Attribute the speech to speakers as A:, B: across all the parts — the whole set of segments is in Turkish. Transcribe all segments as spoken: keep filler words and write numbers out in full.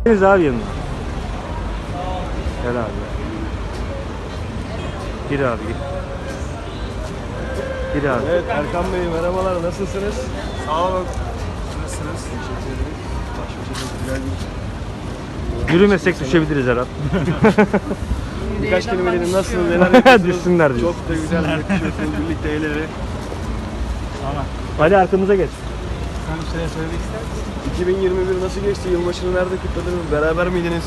A: Deniz abi yanına. Gel abi. Gir abi gir. Gir abi.
B: Evet Erkan Bey merhabalar, nasılsınız?
C: Sağ olun. Nasılsınız?
B: Teşekkür ederim. Başka güzel bir...
A: Yürümesek düşebiliriz herhalde.
B: Birkaç kelimelerin nasıl, neler yapıyorsunuz?
A: Düşsünler diyor.
B: Çok da güzel yakışıyorsunuz birlikte el ele.
C: Tamam.
A: Ali arkamıza geç.
C: Sen bir şeyler söylemek ister misin?
B: iki bin yirmi bir nasıl geçti? Yılbaşını nerede kutladınız? Beraber miydiniz?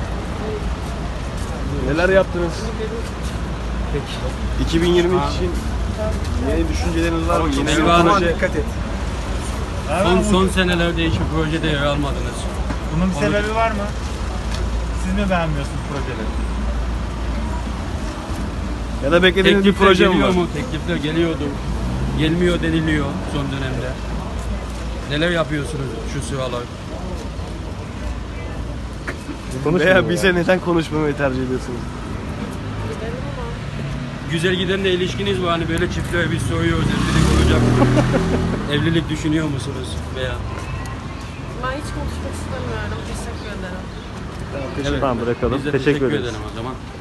B: Neler yaptınız?
C: Peki.
B: iki bin yirmi için yeni düşünceleriniz var mı? Yeni bir
D: Eyvallah.
B: proje.
C: Dikkat et.
D: Son, son senelerde hiçbir projede yer almadınız.
C: Bunun bir sebebi var mı? Siz mi beğenmiyorsunuz projeleri?
B: Ya da beklediğiniz bir
D: Teklifler
B: proje mi
D: geliyor
B: var?
D: mu? Teklifler geliyordu. Gelmiyor deniliyor son dönemde. Neler yapıyorsunuz şu sıralar?
A: Konuşma
B: Veya
A: ya.
B: bize neden konuşmamayı tercih ediyorsunuz?
D: Güzel gidenle ilişkiniz var, hani böyle çiftler biz soruyoruz, evlilik olacak mı? Evlilik düşünüyor musunuz veya?
E: Ben hiç konuşmak istemiyorum. Teşekkür ederim.
B: Tamam,
D: Evet.
A: Tamam bırakalım.
D: Biz de
A: Teşekkür
D: teşekkür
A: ederiz.
D: ederim o zaman.